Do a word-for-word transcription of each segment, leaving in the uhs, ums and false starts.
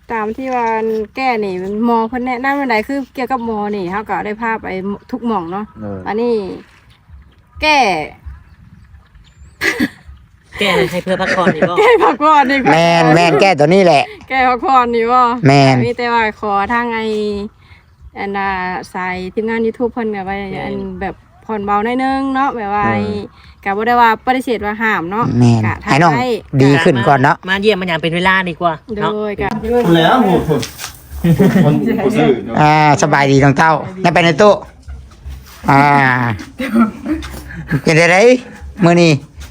ตามที่ว่าแก้นี่หมอเพิ่นแนะนำอันใดคือเกี่ยวกับหมอนี่เฮาก็ได้พาไปทุกหม่องเนาะอันนี้แก้แก้ให้เพื่อพักผ่อนนี่บ่แก้พักผ่อนนี่แม่นแม่นแก้ตัวนี้แหละแก้พักผ่อนนี่บ่แม่นมีแต่ว่าขอทางไอ้อันน่ะสายทีมงาน YouTube เพิ่นก็ว่าอันแบบผ่อนเบาหน่อยนึงเนาะแบบว่าก็บ่ได้ว่าปฏิเสธว่าห้ามเนาะก็ให้น้องดีขึ้นก่อนเนาะมาเยี่ยมมันอย่างเป็นเวลาดีกว่าโดยก็แล้วหมดคนผู้ซื้ออ่าสบายดีน้องเต้าได้ไปในตู้อ่าเป็นไดมื้อนี้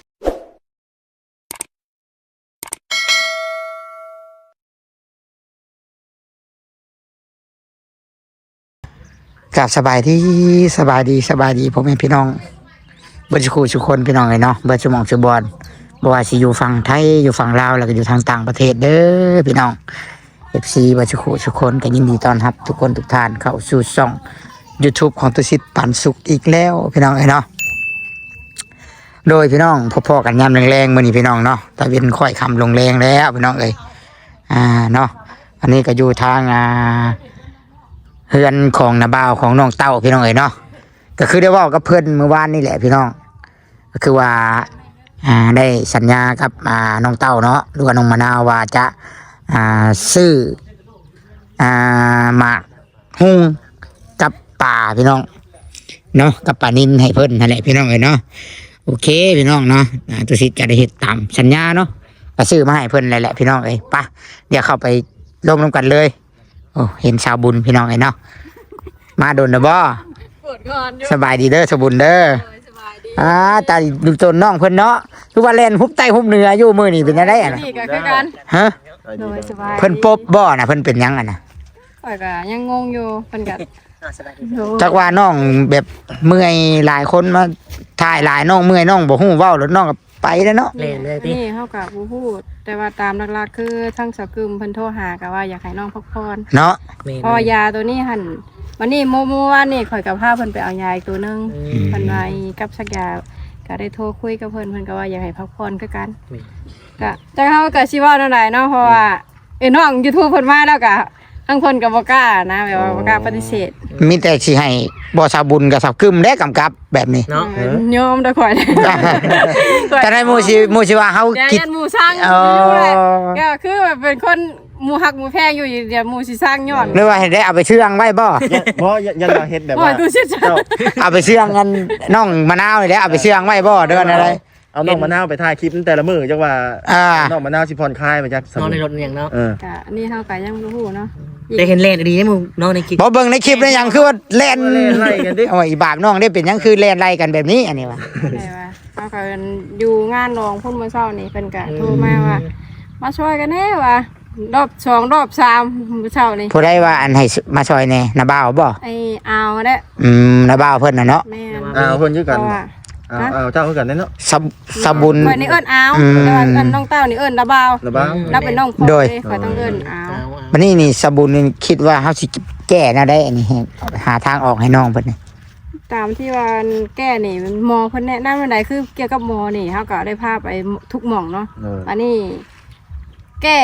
กับสบายดีสบายดีสบายดีผมเป็นพี่น้องเบิร์ดคู่ทุกคนพี่น้องเลยเนาะเบิร์ดสมองสบอนบ่ว่าสิอยู่ฝั่งไทยอยู่ฝั่งลาวแล้วก็อยู่ทางต่างประเทศเด้อพี่น้อง เอฟ ซี เบิร์ดคู่ทุกคนก็ยินดีต้อนรับทุกคนทุกท่านเข้าสู่ช่อง YouTube ของตุสิทธิ์ปันสุขอีกแล้วพี่น้องเลยเนาะโดยพี่น้องพ่อๆกันยามแรงๆมื้อนี้พี่น้องเนาะตะเวนค่อยค่ำลงแรงแล้วพี่น้องเอ้ยอ่าเนาะอันนี้ก็อยู่ทางอ่าเฮือนของนาบ่าวของน้องเต้าพี่น้องเอ๋ยเนาะก็คือได้ว่ากับเพื่อนเมื่อวานนี่แหละพี่น้องก็คือว่าอ่าได้สัญญากับอ่าน้องเต้าเนาะหรือว่าน้องมะนาวว่าจะอ่าซื้ออ่าหมากหุ้งกับป่าพี่น้องเนาะกับป่านินให้เพิ่นนั่นแหละพี่น้องเอ๋ยเนาะโอเคพี่น้องเนาะตุสิทธิ์จะได้เฮ็ดตามสัญญาเนาะก็ซื้อมาให้เพิ่นนั่นแหละพี่น้องเอ๋ยไปเดี๋ยวเข้าไปร่วมกันเลยโอ้เห็นชาวบุญพี่น้องไอ้เนาะมาโดนนะบ่สบายดีเด้อชาวบุญเด้ออ่าตาดูจนน้องเพิ่นเนาะทุกวันเล่นฮุบใต้ฮุบเหนืออยู่มื้อนี้เป็นจังได๋อ่ะนี่ก็คือกันฮะโดยสบายเพิ่นปบบ่น่ะเพิ่นเป็นหยังอ่ะน่ะข่อยก็ยังงงอยู่เพิ่นก็จักว่าน้องแบบเมื่อยหลายคนมาถ่ายหลายน้องเมื่อยน้องบ่ฮู้เว้าแล้วน้องก็ไปแล้วเนาะนี่เฮาก็บ่พูดแต่ว่าตามหลักๆคือทั้งสกึมเพิ่นโทรหาก็ว่าอยากให้น้องพักผ่อนเนาะพอยาตัวนี้หั่นวันนี้เมื่อวานนี่ข่อยกับพาเพิ่นไปเอายาอีกตัวนึงเพิ่นว่ากับสักยาก็ได้โทรคุยกับเพิ่นเพิ่นก็ว่าอยากให้พักผ่อนคือกันก็จังเฮาก็สิเว้าแนวใดเนาะเพราะว่าเอ้น้อง YouTube เพิ่นมาแล้วก็ทั้งเพิ่นก็บ่กล้านะแบบว่าบ่กล้าปฏิเสธมีแต่สิให้บ่สาวบุญกับสาวกึมและกำกับแบบนี้เนาะยอมได้ข่อยแต่ได้หมู่สิหมู่สิว่าเฮาคิดหมู่สร้างอยู่แหละก็คือแบบเป็นคนหมู่ฮักหมู่แพงอยู่เดี๋ยวหมู่สิสร้างย้อนหรือว่าให้ได้เอาไปเชื่องไว้บ่บ่ยันว่าเฮ็ดแบบว่าเอาไปเชื่องกันน้องมะนาวนี่แหละเอาไปเชื่องไว้บ่เด้ออะไรเอาน้องมะนาวไปถ่ายคลิปแต่ละมื้อจังว่าน้องมะนาวสิผ่อนคลายมาจักนอนในรถอย่างเนาะเออก็นี่เฮาก็ยังบ่ฮู้เนาะได้เห็นเล่นดีมั้งน้องในคลิปบ่เบิ่งในคลิปได้ยังคือว่าเล่นไล่กันดิโอ้ยบาปน้องได้เป็นยังคือเล่นไล่กันแบบนี้อันนี้ว่าได้ว่าเฮาก็อยู่งานรองพุ่นมื้อเช้านี่เพิ่นก็โทรมาว่ามาช่วยกันแน่ว่ารอบสองรอบสามมื้อเช้านี่ผู้ใดว่าอันให้มาช่วยแน่นาบ่าวบ่ไอ้อาวเด้ออืมนาบ่าวเพิ่นน่ะเนาะแม่อ้าวเพิ่นอยู่กันอ้าวอ้าวเจ้าคือกันเนาะสสบุญข่อยนี่เอิ้นอาวแต่ว่าเอิ้นน้องเต้านี่เอิ้นนาบ่าวนาบ่าวรับเป็นน้องพ่อเด้ข่อยต้องเอิ้นอาวบัดนี้นี่สบุญนี่คิดว่าเฮาสิแก้แนวใดอันนี้หาทางออกให้น้องเพิ่นนี่ตามที่ว่าแก้นี่หมอเพิ่นแนะนำอันใดคือเกี่ยวกับหมอนี่เฮาก็ได้พาไปทุกหม่องเนาะอันนี้แก้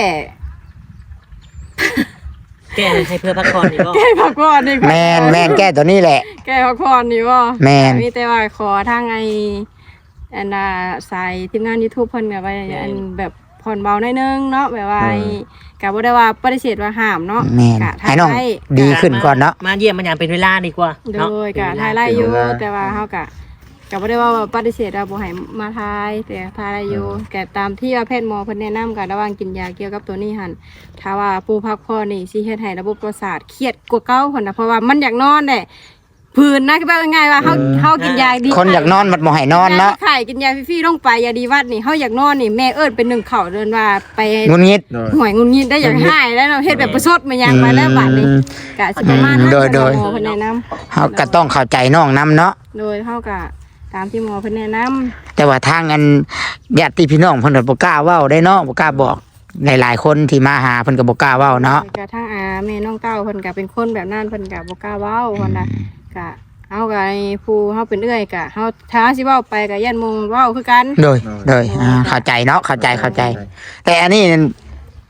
แก้ให้เพื่อพักผ่อนนี่บ่แก้พักผ่อนนี่แม่นแม่นแก้ตัวนี้แหละแก้พักผ่อนนี่บ่แม่นมีแต่ว่าขอทางไอ้อันน่ะสายทีมงาน YouTube เพิ่นก็ว่าอันแบบผ่อนเบาหน่อยนึงเนาะแบบว่าก็บ่ได้ว่าปฏิเสธว่าห้ามเนาะก็ให้น้องดีขึ้นก่อนเนาะมาเยี่ยมมันอย่างเป็นเวลาดีกว่าโดยก็ถ่ายไล่อยู่แต่ว่าเฮาก็ก็บ่ได้ว่าปฏิเสธว่าบ่ให้มาถ่ายแต่ถ่ายได้อยู่แต่ตามที่ว่าแพทย์หมอเพิ่นแนะนำก็ระหว่างกินยาเกี่ยวกับตัวนี้หั่นถ้าว่าผู้พักผ่อนนี่สิเฮ็ดให้ระบบประสาทเครียดกว่าเก่าพุ่นน่ะเพราะว่ามันอยากนอนแหละผื่นนะก็แบบง่ายว่าเฮาเฮากินยาดีคนอยากนอนมันบ่ให้นอนเนาะไข่กินยาฟรีๆลงไปยาดีวัดนี่เฮาอยากนอนนี่แม่เอิ้นเป็นหนึ่งข้าวเดินว่าไปงุนงิดหวยงุนงิดได้อยากหายแล้วเนาะเฮ็ดแบบประชดมายังมาแล้วบัดนี้ก็สิประมาณนั้นโดยโดยหมอเพิ่นแนะนำเฮาก็ต้องเข้าใจน้องนํเนาะโดยเฮาก็ตามที่หมอเพิ่นแนะนำแต่ว่าทางอันญาติพี่น้องเพิ่นก็บ่กล้าเว้าได้เนาะบ่กล้าบอกหลายๆคนที่มาหาเพิ่นก็บ่กล้าเว้าเนาะก็ทางอาแม่น้องเต้าเพิ่นก็เป็นคนแบบนั้นเพิ่นก็บ่กล้าเว้าเพิ่นน่ะก็เฮาก็ไอ้ผู้เฮาเป็นเอื้อยก็เฮาถ้าสิเว้าไปก็ย่านหมู่เว้าคือกันโดยโดยอ่าเข้าใจเนาะเข้าใจเข้าใจแต่อันนี้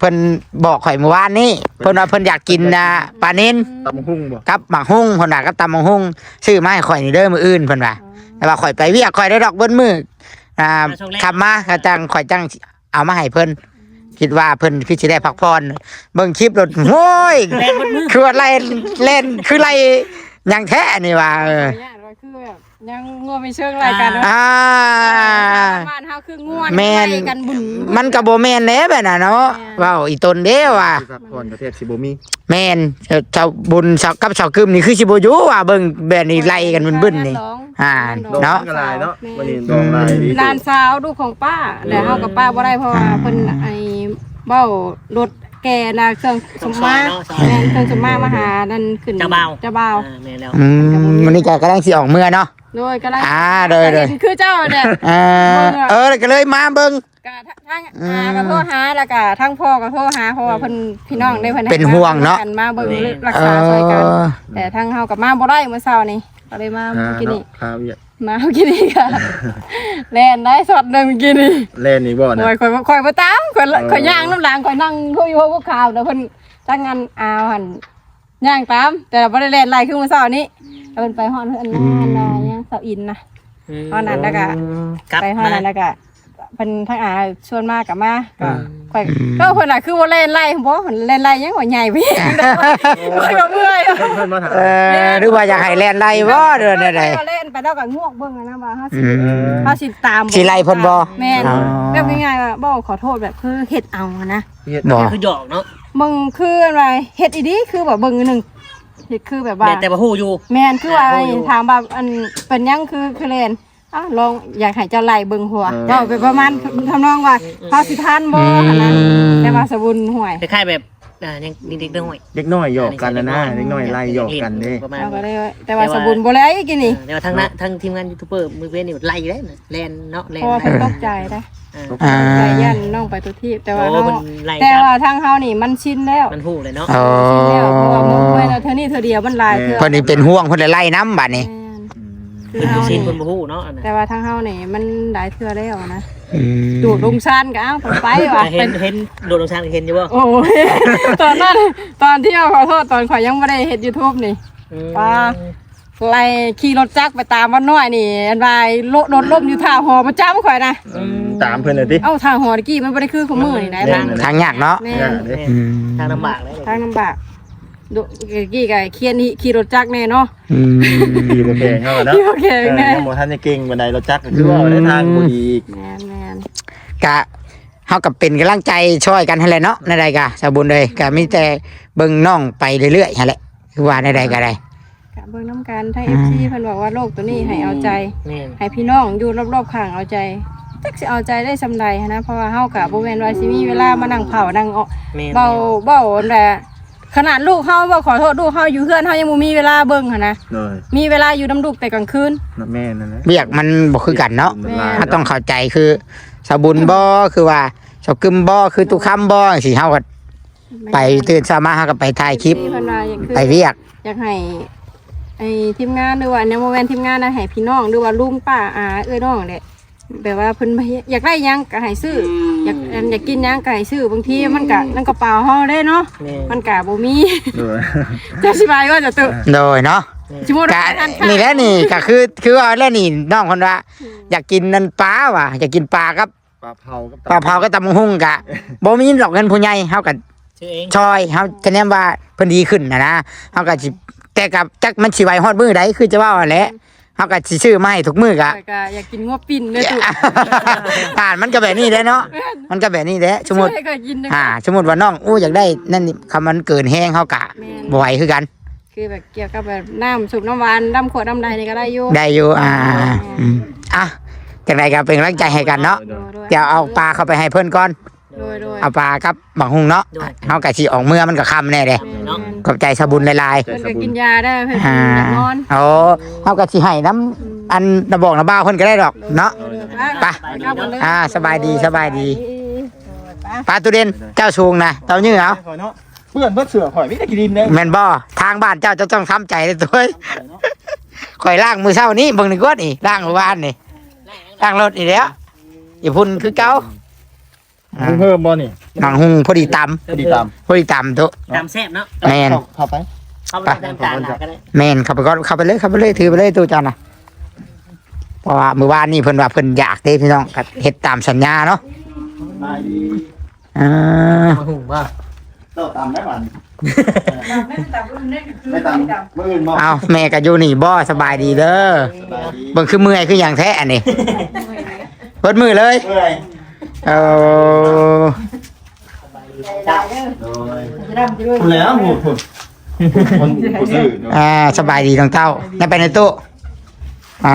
เพิ่นบอกข่อยเมื่อวานนี้เพิ่นว่าเพิ่นอยากกินน่ะปลานิลตำหุ่งบ่กับหมักฮุ้งเพิ่นว่ากับตำหมักฮุ้งซื้อมาให้ข่อยนี่เด้อมื้ออื่นเพิ่นว่าแต่ว่าข่อยไปเวียกข่อยได้ดอกเบิ้นมื้ออ่าขับมาก็จังข่อยจังเอามาให้เพิ่นคิดว่าเพิ่นคือสิได้พักผ่อนเบิ่งคลิปรถโอ้ยแล่นบนมือคือว่าไล่เล่นคือไล่หยังแท้นี่ว่าเออเนี่ยเราคือแบบยังงัวไม่เชิงรายกันเนาะอ่าบ้านเฮาคืองัวแม่นไล่กันบุญมันก็บ่แม่นแหน่แบบน่ะเนาะเว้าอีตนเด้ว่าที่พักผ่อนประเทศสิบ่มีแม่นเจ้าบุญเจ้ากับเจ้ากึมนี่คือสิบ่อยู่ว่าเบิ่งแบบนี้ไล่กันบึ้นๆนี่ อ่าดอกเนาะมันก็ลายเนาะวันนี้ดอกลายดีหลานสาวลูกของป้าแล้วเฮากับป้าบ่ได้เพราะว่าเพิ่นไอ้เบ้ารถแกน่ะเครื่องสมมาแม่นเครื่องสมมามาหานั่นขึ้นเจ้าบ่าวเจ้าบ่าวอ่าแม่นแล้วอืมวันนี้ก็กำลังสิออกเมื่อเนาะโดยก็ได้อ่าโดยโดยเห็นคือเจ้าเนี่ยเออเออก็เลยมาเบิ่งก็ทั้งอาก็โทรหาแล้วก็ทั้งพ่อก็โทรหาเพราะว่าเพิ่นพี่น้องได้เพิ่นให้เป็นห่วงเนาะกันมาเบิ่งรักเอษาช่วยกันอแต่ทั้งเฮากับมาบ่ได้เมื่อเช้านี้ก็เลยมาอ่าเมื่อกี้เนาะนี่ครับเนี่ยมาเมื่อกี้นี่ค่ะแล่นได้สดหนึงเมื่อกี้นี่เล่นนี่บ่นะโอ้ยข่อยบ่ข่อยบ่ตามข่อยข่อยย่างน้ำหลังข่อยนั่งคุยอยู่พวกข่าวเดี๋ยวเพิ่นจังงานอาวหั่นย่างตาม แต่บ่ได้แล่นไล่คือมื้อเช้านี้แล้วเพิ่นไปฮอดเพิ่นนานน่ะย่างเสาอินนะอืมฮอดนั้นแล้วก็กลับไปฮอดมานั้นแล้วก็เพิ่นทั้งอาชวนมากับมาก็ข่อยก็เพิ่นน่ะคือบ่เล่นไล่บ่เพิ่นเล่นไล่ยังว่าใหญ่ไปอีกข่อยก็เมื่อยเพิ่นมาถามเออหรือว่าอยากให้แล่นไล่บ่เด้อเด้อเล่นไปแล้วก็งวกเบิ่งอะนะว่าเฮาสิอืมเฮาสิตามสิไล่เพิ่นบ่แม่นอ๋อแบบง่ายๆว่าบ่ขอโทษแบบคือเฮ็ดเอาอะนะเฮ็ดบ่คือหยอกเนาะมึงคืออะไรเฮ็ดอีดีคือแบบเบิ่งอันหนึงเฮ็ดคือแบบว่าแม่นแต่บ่ฮู้อยู่แม่นคือว่าโอ้ยถามว่าอันเป็นหยังคือคือเล่นอ้าวลองอยากให้เจ้าไล่เบิ่งหัวเว้าไปประมาณทำนองว่าพาสิทานบ่หั่นนะแต่ว่าสบุญห่วยคล้ายๆแบบอ่ายังเด็กๆด้วยเด็กน้อยหยอกกันนะนะเด็กน้อยไล่หยอกกันเด้ประมาณเอาก็นี้เลยแต่ว่าสบุญบ่แล้วอีกนี่แต่ว่าทางนั้นทางทีมงานยูทูบเบอร์มือเว้นนี่ไล่ได้นะแลนเนาะแลนเพราะว่าเพิ่นตกใจนะอ่าอ่าใจยันน้องไปทุกที่แต่ว่าโอ้เฮามันไล่แต่ครับว่าทางเฮานี่มันชินแล้วมันฮู้เลยเนาะโอ้ชินแล้วเพราะว่ามึงไว้แล้วเท่านี้เท่าเดียวมันหลายเทื่อเพิ่นนี่เป็นห่วงเพิ่นเลยไล่น้ำบัดนี้แม่นคือคือเฮาชินนี่คนบ่ฮู้เนาะอันนั้นแต่ว่าทางเฮานี่มันหลายเทื่อแล้วนะอืมดูดลงซานก็เอ้าผมไปว่ะเห็นเห็นโดดลงชางเห็นอยู่บ่โอ้ย ตอนนั้นตอนที่เอาขอโทษตอนข่อยยังไม่ได้เฮ็ด YouTube นี่อืมว่า ไล่ขี่รถจักรไปตามวันน้อยนี่อันวายโลดรถล้มอยู่ท่าหอประจำข่อยนะตามเพิ่นน่ะติเอ้าท่าหอตะกี้มันบ่ได้คือของมือนี่ไหนแม่ทางนทางยากเนาะแม่ย่าน เด้อืมทางลำบากเลยทางลำบากดูตะกี้ก็เคียนนี่ขี่รถจักรแน่เนาะอืมดีบ่แข็งเฮาเนาะขี่บ่แข็งแน่เออยังบ่ทันจะเก่งบันไดรถจักรก็คือว่าได้ทางบ่ดีอีกแม่นแม่นกะเฮากับเป็นกำลังใจช่วยกันหั่นแหละเนาะในใดกะสาบุญเลยก็มีแต่เบิ่งน้องไปเรื่อยๆหั่นแหละคือว่าในใดก็ได้กะเบิ่งน้ำกันทาง เอฟ ซี เพิ่นบอกว่าโรคตัวนี้ให้เอาใจแม่นให้พี่น้องอยู่รอบๆข้างเอาใจจักสิเอาใจได้ซำใดหั้นนะเพราะว่าเฮาก็บ่แม่นว่าสิมีเวลามานั่งเผานั่งเอาแม่นเบาเบาแต่ขนาดลูกเฮาบ่ขอโทษลูกเฮาอยู่เฮือนเฮายังบ่มีเวลาเบิ่งหั่นนะเลยมีเวลาอยู่นำลูกแต่กลางคืนนั่นแม่นั่นแหละเรียกมันบ่คือกันเนาะมันลายถ้าต้องเข้าใจคือสาบุญบ่คือว่าสาวกึมบ่คือตุคำบ่สิเฮาก็ไปตื่นเช้ามาเฮาก็ไปถ่ายคลิปเพิ่นว่าอยากคือไปเรียกอยากให้ไอ้ทีมงานหรือว่าในโมเมนต์ทีมงานนะให้พี่น้องหรือว่าลุงป้าอาเอ้ยน้องแหละแบบว่าเพิ่นอยากได้หยังก็ให้ซื้ออยากอันอยากกินหยังก็ให้ซื้อบางทีมันก็นั่นกระเป๋าเฮาได้เนาะแม่นมันก็บ่มีเลยจะอธิบายว่าจะตุโดยเนาะสมมุติกะว่าอันนี่แหละนี่ก็คือคือว่าแล้วนี่น้องคนว่า อยากกินนันปลาว่ะอยากกินปลากับปลาเผากับปลาเผาก็ตำบักหุ่งกะบ่มีหรอกเงินผู้ใหญ่เฮาก็ชื่อเองชอยเฮาคะแนนว่าเพิ่นดีขึ้นนะนะเฮาก็สิแต่กับจักมันสิไหวฮอดมื้อใดคือจะว่าแหละเฮาก็สิซื้อมาให้ทุกมื้อกะก็อยากกินงัวปิ้นเด้อตุอ่านมันก็แบบนี้แหละเนาะมันก็แบบนี้แหละสมมุติช่วยก็กินเด้ออ่าสมมุติว่าน้องอู้อยากได้นั่นนี่คำมันเกินแห้งเฮากะแม่นบ่ไหวคือกันคือแบบเกี่ยวกับแบบน้ำสูบน้ำหวานน้ำขวดน้ำใดนี่ก็ได้อยู่ได้อยู่อ่าอืมอ่ะจังไดก็เป็นกำลังใจให้กันเนาะโดยโดยเดี๋ยวเอาปลาเข้าไปให้เพิ่นก่อนโดยโดยเอาปลากับบักหุ่งเนาะเฮาก็สิออกเมื่อมันก็ค่ำแน่เด้แม่นแม่นขอบใจสะบุญหลายๆเพิ่นก็กินยาได้เพิ่นอ่าอยากนอนโอ้เฮาก็สิให้น้ำอันระบอกระบ้าเพิ่นก็ได้ดอกเนาะ ไป อ่าสบายดีสบายดี ปลาตุเด่นเจ้าสูงนะเต้ายื้อเอาข่อยเนาะเพื่อนเพิ่นเสือข่อยมีแต่กินดินเด้แม่นบ่ทางบ้านเจ้าจะต้องทำใจเลยตัวเอ้ยข่อยล้างมือเช้านี้เบิ่งนี่กวดนี่ล้างเมื่อวานนี่ล้างรถนี่แหล้วอย่าพุ่นคือเก่ามึงเพิ่มบ่นี่หนังหุงพอดีตพอดีตามำพอดีตำตัวตามแซ่บเนาะแมนเข้าไปเข้าไปตามตามหลักก็ได้แมนเข้าไปก่อนเข้าไปเลยเข้าไปเลยถือไปเลยตัวเจ้าน่ะเพราะว่าเมื่อวานนี่เพิ่นว่าเพิ่นอยากเด้พี่น้องก็เฮ็ดตามสัญญาเนาะไปดีอ่ามาหุงบ่เต้าตามได้บ่ไม่ตับรุ่นนี้คือไม่ตามมื้ออื่นบ่เอาแม่ก็อยู่นี่บ่สบายดีเด้อสบายดีเบิ่งคือเมื่อยคือหยังแท้อันนี้เบิดมือเลยเมื่อยเออโดยจะดำจะด้วยคุณแล้วหมู่คุณคนผู้ซื้อเนาะอ่าสบายดีน้องเต้าได้ไปในตู้อ่า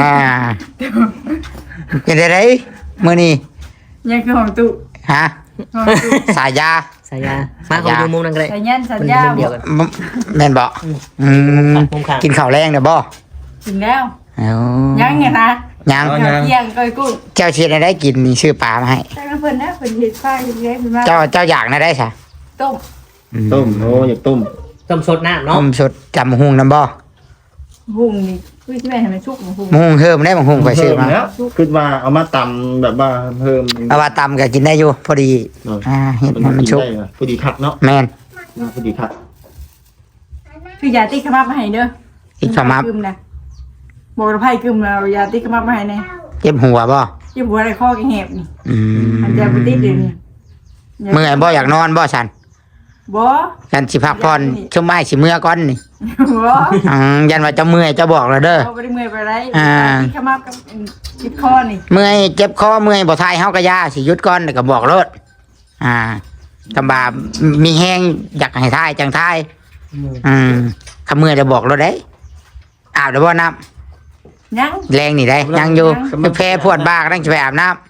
เป็นไดมื้อนี้ยังคือของตุฮะสายยาสายยามาของอยู่มุมนั่นก็ได้แต่ยันสัญมันญาเดียวกันมแม่นบ่อืมมุมข้างกินข้าวแรงเด้อบ่กินแล้วเอายังไงนะยังเที่ยงก้อยกุ้งเจ้าเชียร์ได้กินนี่ชื่อปลามาให้ใช่เพิ่นนะเพิ่นเห็ดฝ้ายเล็กๆมาเจ้าเจ้าอยากนะได้ใช่ต้มต้มโอ้อยากต้มต้มสดน้ำเนาะต้มสดจำหุงน้ำบ่หุงนี่คุยที่แม่ให้มันชุกหุงหุงเพิ่มได้บ่หุงไปซื้อมาเพิ่แล้วคิดว่าเอามาตำแบบว่าเพิ่มเอาว่าตำก็กินได้อยู่พอดีเอออ่าเฮ็ดให้มันชุบได้เหรอพอดีคัดเนาะแม่นพอดีคัดคือยาติ๊กขมับมาให้เด้ออีกขมับกึมนะบอกระไพ่กึมแล้วยาติ๊กขมับมาให้แน่เจ็บหัวบ่ยี่บัวอะไรข้อแกแหบนี่อืมอันเดียวบ่ติดเดี๋ยวนี้เมื่อยบ่อยากนอนบ่ฉันบ่ฉันสิพักผ่อนชั่วไม้สิเมื่อก่อนนี่บ่อืมยันว่าจะเมื่อยจะบอกแล้วเด้อเอาไปได้เมื่อยไปไรอ่าติ๊กขมับกับจิบคอนี่เมื่อยเจ็บคอเมื่อยบ่ทายเฮาก็ยาสิหยุดก่อนแล้วก็บอกรถอ่าคำบามีแห้งอยากให้ทายจังทาย อืมคำเมื่อยจะบอกรถได้อาบได้บ่น้ำยังแรงนี่ได้ยังอยู่คือแพ้พวดบ้ากนั่งจะไปอาบน้ำ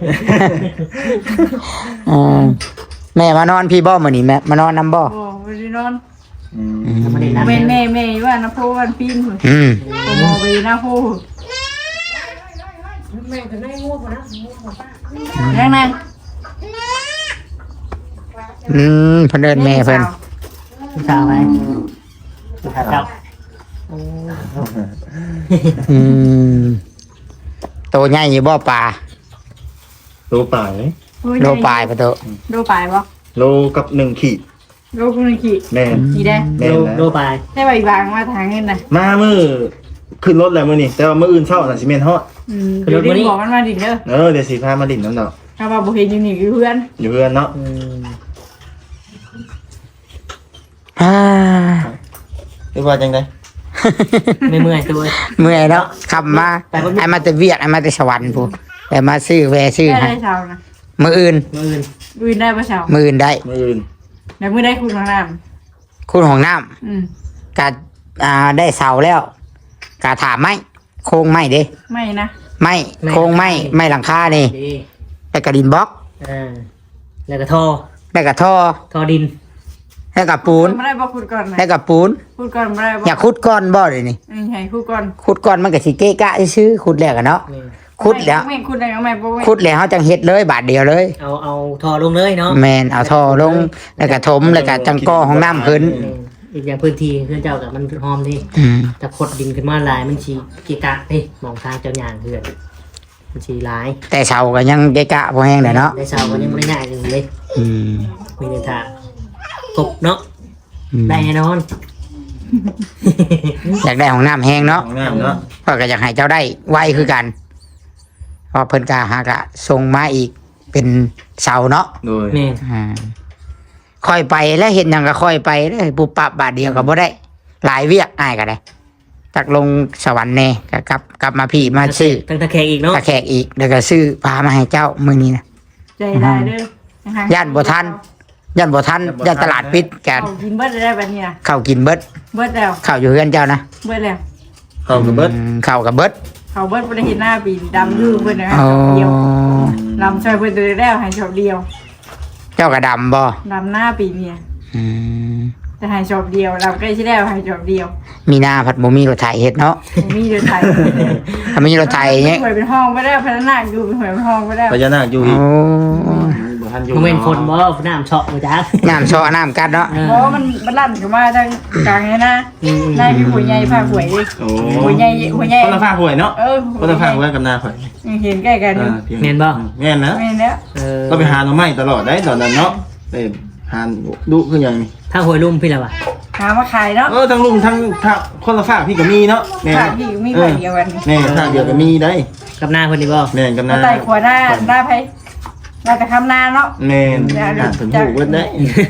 อืมแม่มานอนพี่บ่มื้อนี้แม่มานอนน้ำบ่โอ้ไปได้นอนอืมไม่ได้น้ำแม่แม่แม่ว่านะพ่อวันปีนพุ่นอืมโอ้โมไปนะพ่อยังไงอืมเพิ่นเอิ้นแม่เพิ่นผู้สาวไหมผู้สาวเจ้าอืมโตใหญ่อยู่บ่ปลาโลป่ายโลปลายปะโตโลปลายบ่โลกับหนึ่งขีดโลกุนขีแม่นขีได้แม่นโลนะโลไปได้ใบบางมาทางเงินนะมามือขึ้นรถแล้วมื้อนี้แต่ว่ามื้ออื่นเช้าน่ะสิแม่นฮอดอืมเดี๋ยวดิบอกมันมาดิเด้อเออเดี๋ยวสิพามาดิ่นน้ำดอกถ้าว่าบ่เห็นอยู่นี่คือเพื่อนอยู่เพื่อนเนาะอืมอ่าหรือว่าจังได๋ไม่เมื่อยตัวเมื่อยเนาะขับมาไอ้มาแต่เวียกไอ้มาแต่สวรรค์พูแต่มาซื้อแวซื้อได้ให้ได้เช้านะมื้ออื่นมืออื่นดูได้ปะเช้ามื้ออื่นได้มื้ออื่นเดี๋ยวมื้อได้คุณข้างน้คุณของน้ำำอืมกะอ่าได้เสาแล้วกะถามไม้โครงไม้เด้ไม่นะไม้โครงไม้ไม้หลังคานี่ดีไปกระดินบล็อกอ่าแล้วก็ท่อได้กระท่อท่อดินได้กระปูนไม่ได้บอกคุณก่อนนะได้กระปูนคุณก่อนไม่ได้บอกอยากขุดก้อนบ่เลยนี่อืมให้คุณก่อนขุดก้อนมันก็สิเกะกะซื่อๆขุดแล้วกันเนาะนี่ขุดแล้วไม่คุณได้ก็ไม่บอกไม่ขุดแล้วเฮาจังเฮ็ดเลยบาทเดียวเลยเอาเอาท่อลงเลยเนาะแม่นเอาท่อลงแล้วก็ถมแล้วก็จังก่อห้องน้ำขึ้นอีกอย่างพื้นที่เพื่อนเจ้ากับมันหอมที่อืมจะขดดินขึ้นมาหลายมันชีกีกะเฮ้มองทางเจ้าหยางเพื่อนมันชีหลายแต่เสาก็ยังเกะกะบ่แห้งเลยเนาะได้เสาก็ยังไม่ได้ง่ายเลยอืมมีแต่ทางกบเนาะอืมได้แน่นอนอยากได้ห้องน้ำแห้งเนาะของงามเนาะเพราะก็อยากให้เจ้าได้ไวคือกันเพราะเพิ่นกาหากะส่งมาอีกเป็นเสาเนาะโดยแม่นอ่าค่อยไปแล้วเห็นหยังก็ค่อยไปเลยปุบปับบาทเดียวก็บ่ได้ หลายเวียกอ้ายก็ได้จักลงสวรรค์แน่ก็กลับกลับมาพี่มาซื้อตั้งตะแคงอีกเนาะตะแขกอีกแล้วก็ซื้อพามาให้เจ้ามื้อนี้นะใจได้เด้อย่านบ่ทันย่านบ่ทันย่านตลาดปิดกันเอากินเบิดได้แบบนี้นะข้าวกินเบิดเบิดแล้วข้าวอยู่เฮือนเจ้านะเบิดแล้วเข้ากับเบิดอืมข้าวกับเบิดเขาเบิดบ่ได้เห็นหน้าปีดำอยู่เบิดนะอ๋อเดียวลำช่วยเบิดตัวแล้วให้ชอบเดียวเจ้าก็ดำบ่ลำหน้าปีเนี่ยอืมแต่ให้ชอบเดียวลำใกล้ชิแล้วให้ชอบเดียวมีหน้าผัดบ่มีรถไถเฮ็ดเนาะมีเดือไทยถ้ามีรถไถเงี้ยหวยเป็นห้องไปได้พัฒนาอยู่เป็นหวยเป็นห้องไปได้พญานาคอยู่โอ้อีกบ่ทันอยู่โมเมนต์ฝนบ่น้ำเฉาะบ่จ้าน้ำชอน้ำกัดเนาะเพราะว่ามันมันลั่นขึ้นมาทางกลางนี่นะนายพี่หัวใหญ่พาหวยดิโอ้หัวใหญ่หัวใหญ่คนละฝากหวยเนาะเออคนละฝากหวยกับนาข่อยเห็นใกล้กันอยู่อ่าพียงแม่นบ่แม่นนะไม่แล้วเออก็ไปหาหน่อไม้ตลอดได้ตอนนั้นเนาะไปหาดุคือหยังนี่ถ้าหวยลุ่มพี่ละวะหามาขายเนาะเออทั้งลุงทั้งทั้งคนละฝากพี่ก็มีเนาะแม่นขายพี่มีใบเดียวกันแม่ฝากเดียวก็มีได้กับหน้าคนนี้บ่แม่นกับมานาไต่ขวาหน้าหน้าไผ่หน้าแต่คำนาเนาะแม่นอ่านถึงหูเบิดได้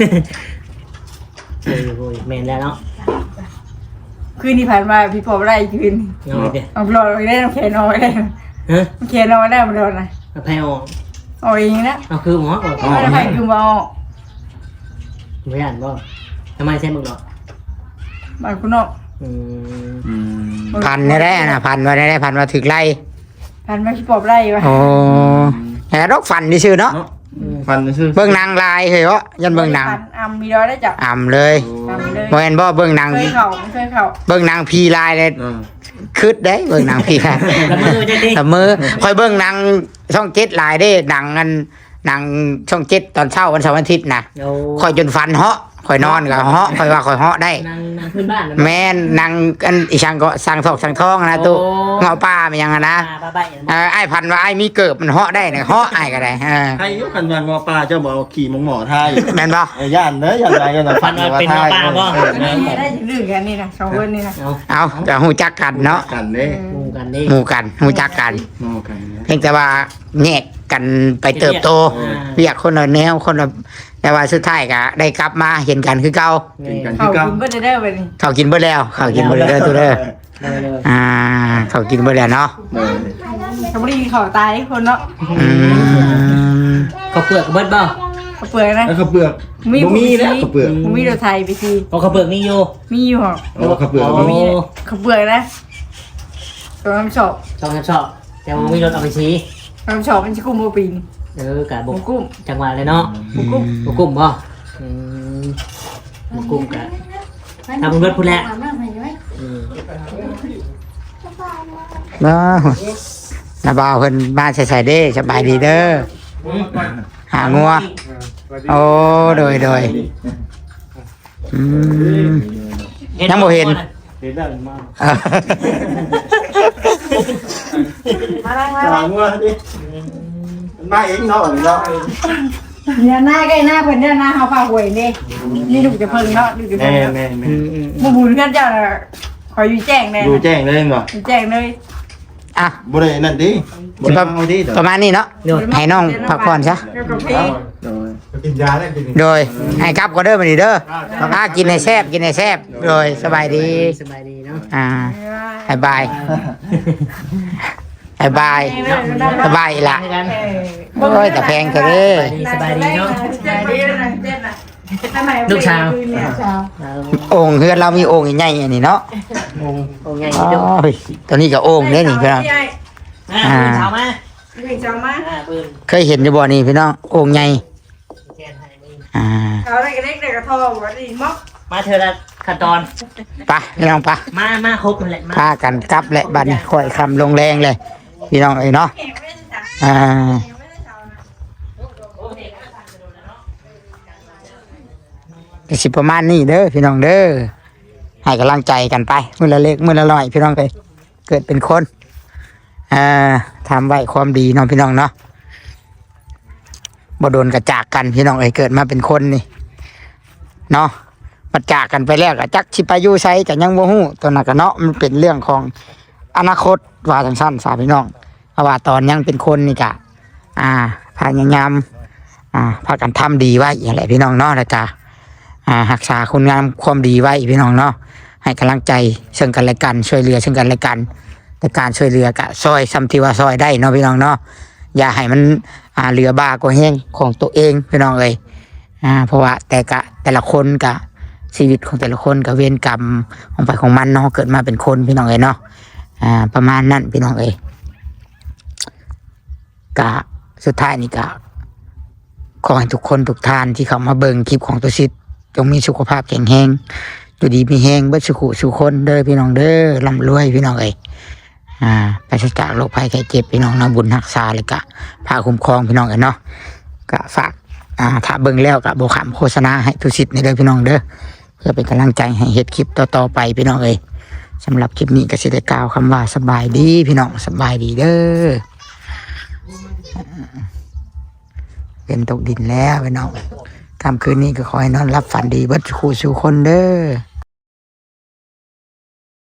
เออโอ้ยแม่นแล้วเนาะคืนที่ผ่านมาพี่ปอบได้คืนเอาเด้อเอาโปรดได้น้ำแข็งนอนได้ฮะน้ำแข็งนอนได้มาโดนนะเอาไผออกเอาเองนะเอาคือหมอออกไม่ได้ไผ่คือมาเอาบ่ย่านบ่ทำไมใช่มึงเนาะบ้านคุณนอกอืมอืมพันได้ได้นะพันมาได้ได้พันมาถึกไล่ผ่านมาพี่ปอบได้ปะโอ้แต่ดอกฟันที่ชื่อเนาะเนาะฟันซื่อเบิ่งนางลายเหรอยันเบิ่งนางอ่ำมีดอยได้จับอ่ำเลยอ่ำเลยบ่เห็นบ่เบิ่งนางเคยเข่าเคยเข่าเบิ่งนางพีลายเลยเออคืดได้เบิ่งนางพีลายแล้วมือจังดิแต่มือคอยเบิ่งนางช่องเจ็ดลายได้หนังอันหนังช่องเจ็ดตอนเช้าวันเสาร์วันอาทิตย์นะเดี๋ยวคอยจนฟันเหาะคอยนอนกับเหาะคอยว่าคอยเหาะได้นางนางพื้นบ้านนะแม่นนางอันอีช่างก็สั่งทอกสั่งทองนะตู้เงาป้ามันยังอะนะอ่าบ้าใบเออไอ้พันว่าไอ้มีเกิบมันเหาะได้เนี่ยเหาะไอ้ก็ได้เออใครอยุคันวันงอปลาเจ้าบอกเอาขี่มงหมอทายแม่นบ่เอ้ยย่านเด้อย่านไรกันนะฟันว่าทายเออแม่นนี่ได้ถึงกันนี่นะสองคนนี่นะเอาเอาก็หูจักกันเนาะกันเด้หมู่กันดิหมู่กันหูจักกันงอกันเนี่ยเพียงแต่ว่าแยกกันไปเติบโตอ่าเรียกคนละแนวคนละแต่ว่าสุดท้ายก็ได้กลับมาเห็นกันคือเก่าเป็นกันเขาที่เก้ากินก็จะได้ไปนี่เขากินเบิดแล้วเขากินเบิดแล้วตัวเด้อเลยเลยอ่าเขากินเบิดแล้วเนาะเออเขาไม่ได้กินเขาตายคนเนาะอืมเขาเปลือกเบิดบ่เขาเปลือกนะแล้วข้าวเปลือกมีบ่มีแล้วข้าวเปลือกมีรถไทยไปทีเพราะเขาเปลือกนี่อยู่มีอยู่หรอโอ้ข้าวเปลือกโอ้บ่มีเขาเปลือกนะตัวน้ำชอบชอบชอบแต่ว่ามีรถเอาไปชี้น้ำชอบมันชิกุ้มโมปีนเออกะหบมูกกุ้มจังหวะเลยเนาะหมูกุ้มบกกุ้มบ่อืมบกกุ้มกะทำรถพูดแล้วอืมเนาะนาบ่าวเพิ่นมาใส่ๆเด้สบายดีเด้อหางัวโอ้โดยโดยอืม ยังบ่เห็นเห็นได้มากเออมาแล้วมาจางว่าดิมาเองเนาะเนาะเนี่ยหน้าใกล้หน้าเพิ่นเนี่ยหน้าเขาพาหวยนี่นี่ดูจะเพิ่งเนาะดูจะแม่เพิ่งแม่แม่อืมอืมหมูบุญกันเจ้าคอยอยู่แจ้งแน่ดูแจ้งเลยเนาะอยู่แจ้งเลยอ่ะบ่ได้นั่นดิบ่ได้เอาดิเด้อประมาณนี้เนาะให้น้องพักผ่อนซะเกี่ยวกับเพลงโดยกินยาได้กินโดยให้กลับก็เด้อมาดีเด้ออ่ากินให้แซ่บกินให้แซ่บโดยสบายดีสบายดีเนาะอ่าบายบายบายบายสบายอีหละกันโอ้ยแต่แพงเถอะเด้อสบายดีเนาะสบายดีนะเจ็ดนะลูกชาวโอ่งเฮือนเรามีโอ่งใหญ่ๆอันนี้เนาะงงโอ้ยไงโอ้จุ๊บยตัวนี้ก็โอ่งเด้นี่พี่น้องอ่าปืนเช้ามาเพลงจำมาอ่าปืนเคยเห็นอยู่บ่นี่พี่น้องโอ่งใหญ่แกนให้มึงอ่าเอาได้กระเล็กได้กระทองวันนี้ม็อกมาเธอละขั้นตอนไปพี่น้องไปมามาครบมันแหละมาพากันกลับแหละบัดนี้ค่อยคำลงแรงเลย พี่น้องเอ้ยเนาะอ่าก็สิประมาณนี้เด้อพี่น้องเด้อให้กำลังใจกันไปมื้อละเล็กมื้อละน้อยพี่น้องเอ้ยเกิดเป็นคนอ่าทำไว้ความดีเนาะพี่น้องเนาะบ่โดนกระจากกันพี่น้องเอ้ยเกิดมาเป็นคนนี่เนาะมาจากกันไปแล้วก็จักสิไปอยู่ไสก็ยังบ่ฮู้ตัวนั้นก็เนาะมันเป็นเรื่องของอนาคตว่าจังซั่นสาพี่น้องเพราะว่าตอนยังเป็นคนนี่ก็อ่าพยายามอ่าพากันทำดีไว้อย่างไรพี่น้องเนาะแล้วก็อ่ารักษาคุณงามความดีไว้พี่น้องเนาะให้กำลังใจซึ่งกันและกันช่วยเหลือซึ่งกันและกันแต่การช่วยเหลือก็ซอยซ้ำที่ว่าซอยได้เนาะพี่น้องเนาะอย่าให้มันอ่าเหลือบ้ากว่าแห้งของตัวเองพี่น้องเอ้ยอ่าเพราะว่าแต่กะแต่ละคนกะชีวิตของแต่ละคนกับเวรกรรมของไปของมันเนาะเกิดมาเป็นคนพี่น้องเอ้ยเนาะอ่าประมาณนั้นพี่น้องเอ้ยกะสุดท้ายนี่กะขอให้ทุกคนทุกท่านที่เข้ามาเบิ่งคลิปของตัวซิดจงมีสุขภาพแข็งแรงอยู่ดีมีแรงเบิดสุขุสุขคนเด้อพี่น้องเด้อร่ำรวยพี่น้องเอ้ยอ่าปราศจากโรคภัยไข้เจ็บพี่น้องนะบุญรักษาเลยกะพาคุ้มครองพี่น้องเอ้ยเนาะกะฝากอ่าถ้าเบิ่งแล้วก็บ่ขำโฆษณาให้ทุกสิทธิ์ในเด้อพี่น้องเด้อเพื่อเป็นกำลังใจให้เฮ็ดคลิปต่อๆไปพี่น้องเอ้ยสำหรับคลิปนี้ก็สิได้กล่าวคำว่าสบายดีพี่น้องสบายดีเด้อเป็นตกดินแล้วพี่น้องค่ำคืนนี้ก็ขอให้นอนรับฝันดีเบิดคู่สู่คนเด้อ